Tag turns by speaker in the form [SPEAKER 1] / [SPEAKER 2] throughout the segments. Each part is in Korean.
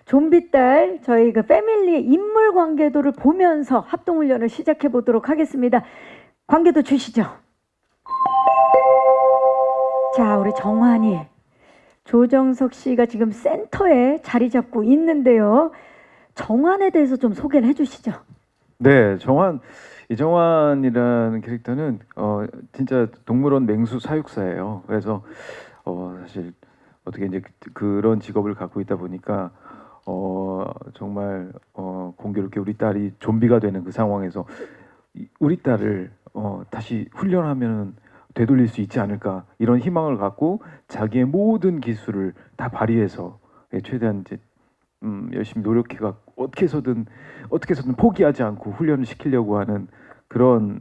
[SPEAKER 1] 좀비딸 저희 그 패밀리의 인물 관계도를 보면서 합동훈련을 시작해 보도록 하겠습니다. 관계도 주시죠. 자, 우리 정환이 조정석 씨가 지금 센터에 자리 잡고 있는데요. 정환에 대해서 좀 소개를 해주시죠.
[SPEAKER 2] 네, 이정환이라는 캐릭터는 진짜 동물원 맹수 사육사예요. 그래서 사실 어떻게 이제 그런 직업을 갖고 있다 보니까 정말 공교롭게 우리 딸이 좀비가 되는 그 상황에서 우리 딸을 다시 훈련하면 되돌릴 수 있지 않을까 이런 희망을 갖고 자기의 모든 기술을 다 발휘해서 최대한 이제 열심히 노력해가 어떻게 해서든 포기하지 않고 훈련을 시키려고 하는 그런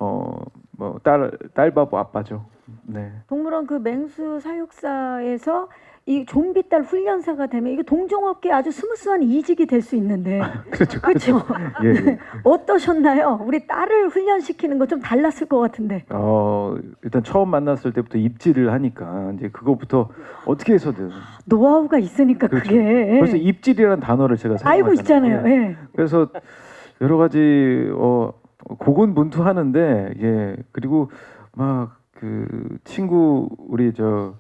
[SPEAKER 2] 딸바보 아빠죠. 네.
[SPEAKER 1] 동물원 그 맹수 사육사에서 이 좀비딸 훈련사가 되면 이게 동종업계 아주 스무스한 이직이 될 수 있는데
[SPEAKER 2] 그렇죠.
[SPEAKER 1] 그렇죠.
[SPEAKER 2] 예, 예.
[SPEAKER 1] 어떠셨나요? 우리 딸을 훈련시키는 거 좀 달랐을 것 같은데.
[SPEAKER 2] 일단 처음 만났을 때부터 입질을 하니까 이제 그거부터 어떻게 해서든
[SPEAKER 1] 노하우가 있으니까
[SPEAKER 2] 그렇죠.
[SPEAKER 1] 그게.
[SPEAKER 2] 벌써 입질이라는 단어를 제가 사용하잖아요.
[SPEAKER 1] 알고 있잖아요.
[SPEAKER 2] 예.
[SPEAKER 1] 예.
[SPEAKER 2] 그래서 여러 가지 고군분투하는데 예 그리고 막 그 친구 우리
[SPEAKER 3] 저요?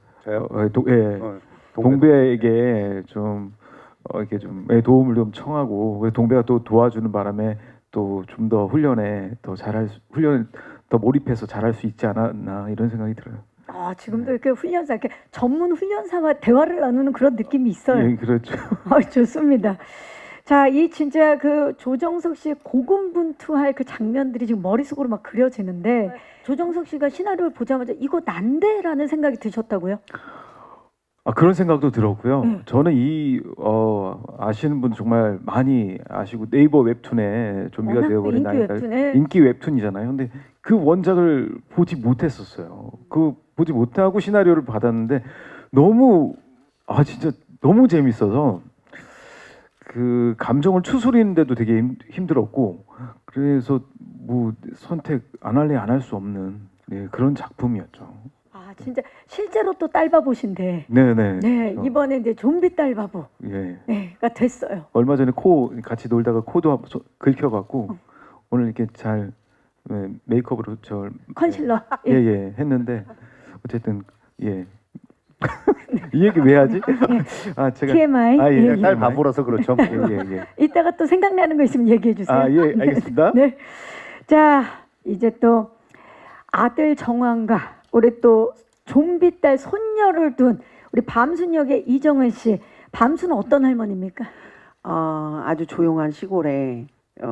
[SPEAKER 2] 동배에게 좀 이렇게 좀 도움을 좀 청하고 그래서 동배가 또 도와주는 바람에 또 좀 더 훈련을 더 몰입해서 잘할 수 있지 않았나 이런 생각이 들어요.
[SPEAKER 1] 지금도 이렇게 훈련사, 이렇게 전문 훈련사와 대화를 나누는 그런 느낌이 있어요.
[SPEAKER 2] 예, 그렇죠.
[SPEAKER 1] 좋습니다. 자, 이 진짜 그 조정석 씨의 고군분투할 그 장면들이 지금 머릿속으로 막 그려지는데 조정석 씨가 시나리오를 보자마자 이거 난데라는 생각이 드셨다고요?
[SPEAKER 2] 그런 생각도 들었고요.
[SPEAKER 1] 네.
[SPEAKER 2] 저는 아시는 분 정말 많이 아시고 네이버 웹툰에 좀비가
[SPEAKER 1] 워낙
[SPEAKER 2] 되어버린
[SPEAKER 1] 인기
[SPEAKER 2] 나이가
[SPEAKER 1] 웹툰에.
[SPEAKER 2] 인기 웹툰이잖아요. 근데 그 원작을 보지 못했었어요. 그 보지 못하고 시나리오를 받았는데 너무 진짜 너무 재밌어서 그 감정을 추스리는데도 되게 힘들었고 그래서 뭐 선택 안 할래 안 할 수 없는 그런 작품이었죠.
[SPEAKER 1] 진짜 실제로 또 딸바보신데.
[SPEAKER 2] 네네.
[SPEAKER 1] 네, 이번에 이제 좀비 딸바보.
[SPEAKER 2] 예.
[SPEAKER 1] 네,가 됐어요.
[SPEAKER 2] 얼마 전에 코 같이 놀다가 코도 긁혀갖고 오늘 이렇게 잘 메이크업으로
[SPEAKER 1] 컨실러.
[SPEAKER 2] 예예 했는데 어쨌든 예. 이 얘기 왜 하지? 제가
[SPEAKER 1] TMI.
[SPEAKER 2] 예,
[SPEAKER 3] 딸 바보라서 그렇죠.
[SPEAKER 2] 예.
[SPEAKER 1] 이따가 또 생각나는 거 있으면 얘기해 주세요.
[SPEAKER 2] 예, 알겠습니다.
[SPEAKER 1] 네. 자, 이제 또 아들 정환과 우리 또 좀비 딸 손녀를 둔 우리 밤순 역의 이정은 씨. 밤순은 어떤 할머니입니까?
[SPEAKER 4] 아주 조용한 시골에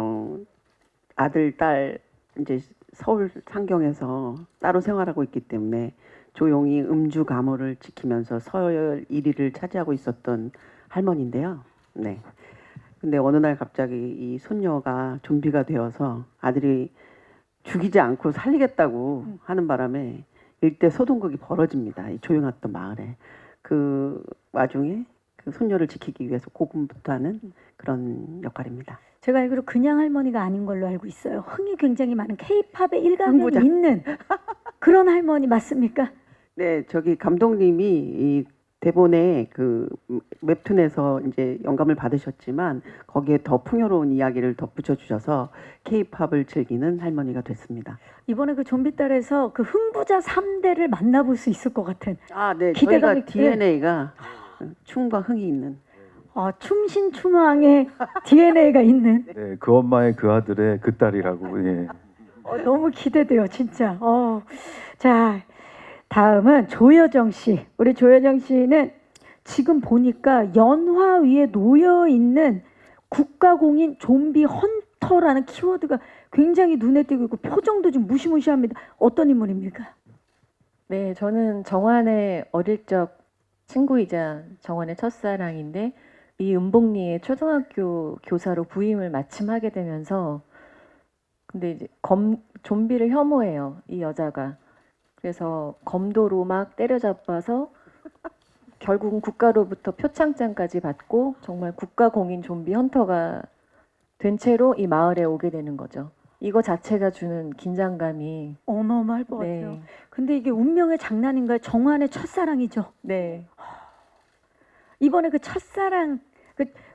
[SPEAKER 4] 아들 딸 이제 서울 상경에서 따로 생활하고 있기 때문에 조용히 음주 가무를 지키면서 서열 1위를 차지하고 있었던 할머니인데요. 네. 근데 어느 날 갑자기 이 손녀가 좀비가 되어서 아들이 죽이지 않고 살리겠다고 하는 바람에 일대 소동극이 벌어집니다. 이 조용했던 마을에. 그 와중에 그 손녀를 지키기 위해서 고군분투하는 그런 역할입니다.
[SPEAKER 1] 제가 알기로 그냥 할머니가 아닌 걸로 알고 있어요. 흥이 굉장히 많은 K-팝의 일가견이
[SPEAKER 4] 흥부자.
[SPEAKER 1] 있는 그런 할머니 맞습니까?
[SPEAKER 4] 네, 저기 감독님이 이 대본에 그 웹툰에서 이제 영감을 받으셨지만 거기에 더 풍요로운 이야기를 덧붙여 주셔서 K-팝을 즐기는 할머니가 됐습니다.
[SPEAKER 1] 이번에 그 좀비 딸에서 그 흥부자 3대를 만나볼 수 있을 것 같은.
[SPEAKER 4] 네,
[SPEAKER 1] 기대감이
[SPEAKER 4] 저희가 DNA가 춤과 흥이 있는.
[SPEAKER 1] 춤신춤왕의 DNA가 있는.
[SPEAKER 2] 네, 그 엄마의 그 아들의 그 딸이라고 예.
[SPEAKER 1] 너무 기대돼요, 진짜. 자, 다음은 조여정 씨. 우리 조여정 씨는 지금 보니까 연화 위에 놓여 있는 국가공인 좀비 헌터라는 키워드가 굉장히 눈에 띄고 있고 표정도 좀 무시무시합니다. 어떤 인물입니까?
[SPEAKER 5] 네, 저는 정환의 어릴 적 친구이자 정환의 첫사랑인데 이 은복리의 초등학교 교사로 부임을 마침 하게 되면서 근데 이제 좀비를 혐오해요, 이 여자가. 그래서 검도로 막 때려잡아서 결국은 국가로부터 표창장까지 받고 정말 국가공인 좀비 헌터가 된 채로 이 마을에 오게 되는 거죠. 이거 자체가 주는 긴장감이
[SPEAKER 1] 어마어마할 것
[SPEAKER 5] 네.
[SPEAKER 1] 같아요. 근데 이게 운명의 장난인가요? 정환의 첫사랑이죠.
[SPEAKER 5] 네.
[SPEAKER 1] 이번에 그 첫사랑, 그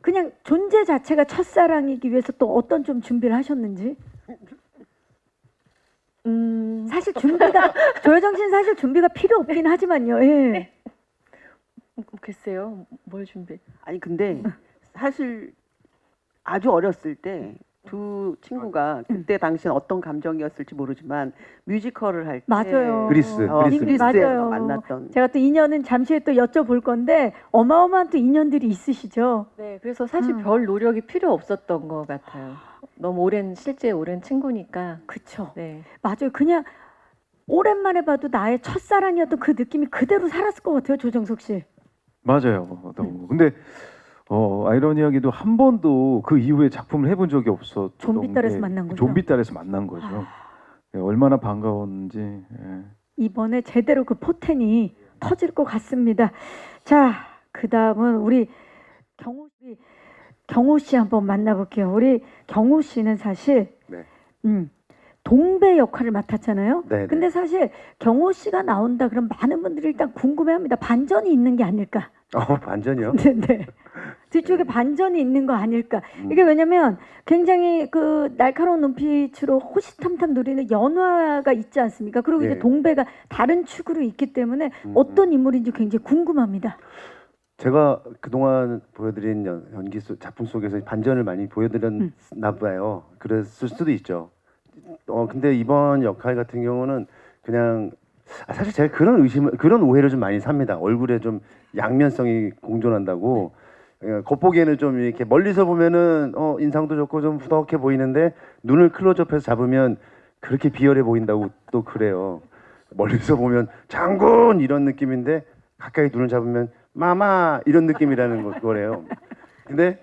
[SPEAKER 1] 그냥 존재 자체가 첫사랑이기 위해서 또 어떤 좀 준비를 하셨는지. 사실 준비가 조여정 씨는 사실 준비가 필요 없긴 하지만요. 예.
[SPEAKER 5] 글쎄요, 뭘 준비?
[SPEAKER 4] 아니 근데 사실 아주 어렸을 때 두 친구가 그때 당시엔 어떤 감정이었을지 모르지만 뮤지컬을 할 때
[SPEAKER 1] 맞아요.
[SPEAKER 2] 그리스.
[SPEAKER 4] 그리스에서
[SPEAKER 1] 맞아요.
[SPEAKER 4] 만났던
[SPEAKER 1] 제가 또 인연은 잠시 후에 또 여쭤볼 건데 어마어마한 또 인연들이 있으시죠.
[SPEAKER 5] 네, 그래서 사실 별 노력이 필요 없었던 것 같아요. 너무 실제 오랜 친구니까.
[SPEAKER 1] 그쵸.
[SPEAKER 5] 네.
[SPEAKER 1] 맞아요. 그냥 오랜만에 봐도 나의 첫사랑이었던 그 느낌이 그대로 살았을 것 같아요, 조정석 씨.
[SPEAKER 2] 맞아요. 너무. 근데 아이러니하게도 한 번도 그 이후에 작품을 해본 적이 없었던
[SPEAKER 1] 좀비딸에서
[SPEAKER 2] 게
[SPEAKER 1] 만난 거죠?
[SPEAKER 2] 좀비딸에서 만난 거죠.
[SPEAKER 1] 아.
[SPEAKER 2] 네, 얼마나 반가웠는지. 예.
[SPEAKER 1] 이번에 제대로 그 포텐이 터질 것 같습니다. 자, 그 다음은 우리 경호 씨 한번 만나볼게요. 우리 경호 씨는 사실
[SPEAKER 3] 네.
[SPEAKER 1] 동배 역할을 맡았잖아요.
[SPEAKER 3] 네.
[SPEAKER 1] 근데 사실 경호 씨가 나온다 그럼 많은 분들이 일단 궁금해합니다. 반전이 있는 게 아닐까?
[SPEAKER 3] 반전이요?
[SPEAKER 1] 네. 뒤쪽에 반전이 있는 거 아닐까?
[SPEAKER 3] 음.
[SPEAKER 1] 이게 왜냐면 굉장히 그 날카로운 눈빛으로 호시탐탐 노리는 연화가 있지 않습니까? 그리고 이제
[SPEAKER 3] 예.
[SPEAKER 1] 동배가 다른 축으로 있기 때문에
[SPEAKER 3] 음.
[SPEAKER 1] 어떤 인물인지 굉장히 궁금합니다.
[SPEAKER 3] 제가 그동안 보여드린 연기 작품 속에서 반전을 많이 보여드렸나 봐요. 그랬을 수도 있죠. 근데 이번 역할 같은 경우는 그냥 사실 제가 그런 오해를 좀 많이 삽니다. 얼굴에 좀 양면성이 공존한다고. 겉보기에는 좀 이렇게 멀리서 보면은 인상도 좋고 좀 후덕해 보이는데 눈을 클로즈업해서 잡으면 그렇게 비열해 보인다고 또 그래요. 멀리서 보면 장군 이런 느낌인데 가까이 눈을 잡으면 마마 이런 느낌이라는 거래요. 근데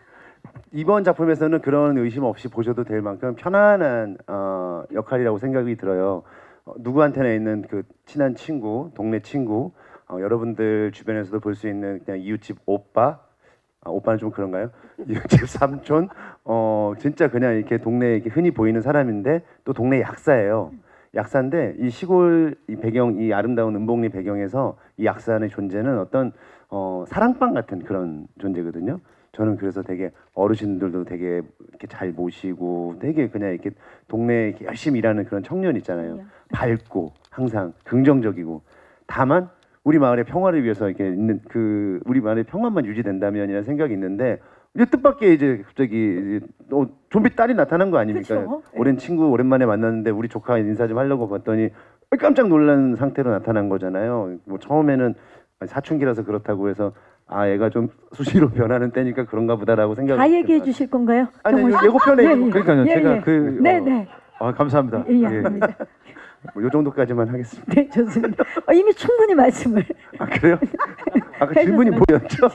[SPEAKER 3] 이번 작품에서는 그런 의심 없이 보셔도 될 만큼 편안한 역할이라고 생각이 들어요. 누구한테나 있는 그 친한 친구, 동네 친구, 여러분들 주변에서도 볼 수 있는 그냥 이웃집 오빠, 오빠는 좀 그런가요? 이웃집 삼촌, 진짜 그냥 이렇게 동네에 이렇게 흔히 보이는 사람인데 또 동네 약사예요. 약사인데 이 시골 이 배경, 이 아름다운 은봉리 배경에서 이 약사의 존재는 어떤 사랑방 같은 그런 존재거든요. 저는 그래서 되게 어르신들도 되게 이렇게 잘 모시고 되게 그냥 이렇게 동네에 이렇게 열심히 일하는 그런 청년 있잖아요. 밝고 항상 긍정적이고 다만 우리 마을의 평화를 위해서 이렇게 있는 그 우리 마을의 평화만 유지된다면이라는 생각이 있는데 이제 뜻밖의 이제 갑자기 좀비 딸이 나타난 거 아닙니까?
[SPEAKER 1] 그쵸?
[SPEAKER 2] 오랜 친구 오랜만에 만났는데 우리 조카 인사 좀 하려고 봤더니 깜짝 놀란 상태로 나타난 거잖아요. 뭐 처음에는 사춘기라서 그렇다고 해서 애가 좀 수시로 변하는 때니까 그런가 보다라고 생각을
[SPEAKER 1] 다 얘기해 주실 건가요?
[SPEAKER 3] 아니
[SPEAKER 1] 경호 씨?
[SPEAKER 3] 예고편에
[SPEAKER 1] 예, 예.
[SPEAKER 2] 그러니까요.
[SPEAKER 1] 예,
[SPEAKER 2] 제가
[SPEAKER 1] 예.
[SPEAKER 2] 그
[SPEAKER 1] 네네.
[SPEAKER 2] 감사합니다.
[SPEAKER 1] 예, 아닙니다.
[SPEAKER 3] 요 정도까지만 하겠습니다.
[SPEAKER 1] 네, 좋습니다. 이미 충분히 말씀을
[SPEAKER 3] 그래요? 아까 질문이 뭐였죠?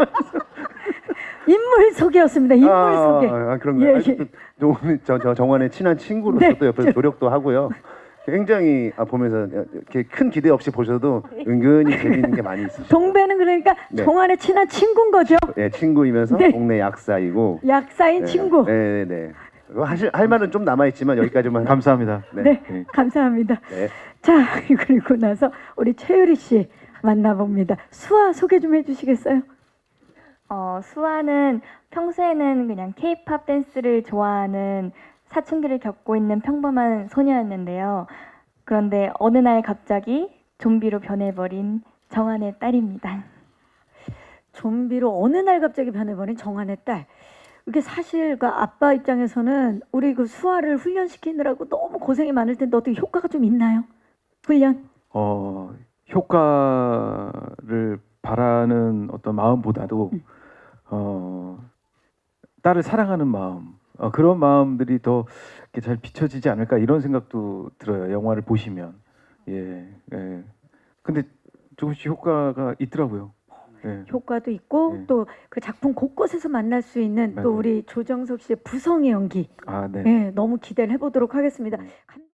[SPEAKER 1] 인물 소개였습니다. 인물 소개.
[SPEAKER 3] 그런가요?
[SPEAKER 1] 예, 예.
[SPEAKER 3] 저 정환의 친한 친구로서
[SPEAKER 1] 네,
[SPEAKER 3] 또 옆에서 노력도 하고요. 굉장히 보면서 이렇게 큰 기대 없이 보셔도 은근히 재미있는 게 많이 있으시죠.
[SPEAKER 1] 동배는 그러니까
[SPEAKER 3] 네.
[SPEAKER 1] 정환의 친한 친구인 거죠.
[SPEAKER 3] 네, 친구이면서
[SPEAKER 1] 네.
[SPEAKER 3] 동네 약사이고.
[SPEAKER 1] 약사인 친구.
[SPEAKER 3] 네네네. 할 말은 좀 남아 있지만 여기까지만.
[SPEAKER 2] 감사합니다.
[SPEAKER 1] 네,
[SPEAKER 2] 네.
[SPEAKER 1] 감사합니다.
[SPEAKER 3] 네.
[SPEAKER 1] 자, 그리고 나서 우리 최유리 씨 만나봅니다. 수아 소개 좀 해주시겠어요?
[SPEAKER 6] 수아는 평소에는 그냥 K-팝 댄스를 좋아하는 사춘기를 겪고 있는 평범한 소녀였는데요. 그런데 어느 날 갑자기 좀비로 변해버린 정한의 딸입니다.
[SPEAKER 1] 좀비로 어느 날 갑자기 변해버린 정한의 딸. 이게 사실 그 아빠 입장에서는 우리 그 수아를 훈련시키느라고 너무 고생이 많을 텐데 어떻게 효과가 좀 있나요? 훈련?
[SPEAKER 2] 효과를 바라는 어떤 마음보다도 딸을 사랑하는 마음, 그런 마음들이 더 이렇게 잘 비춰지지 않을까 이런 생각도 들어요. 영화를 보시면. 예. 근데 조금씩 효과가 있더라고요. 예.
[SPEAKER 1] 효과도 있고
[SPEAKER 2] 네.
[SPEAKER 1] 또 그 작품 곳곳에서 만날 수 있는 또
[SPEAKER 2] 맞아요.
[SPEAKER 1] 우리 조정석 씨의 부성의 연기.
[SPEAKER 2] 네.
[SPEAKER 1] 네, 너무 기대를 해보도록 하겠습니다.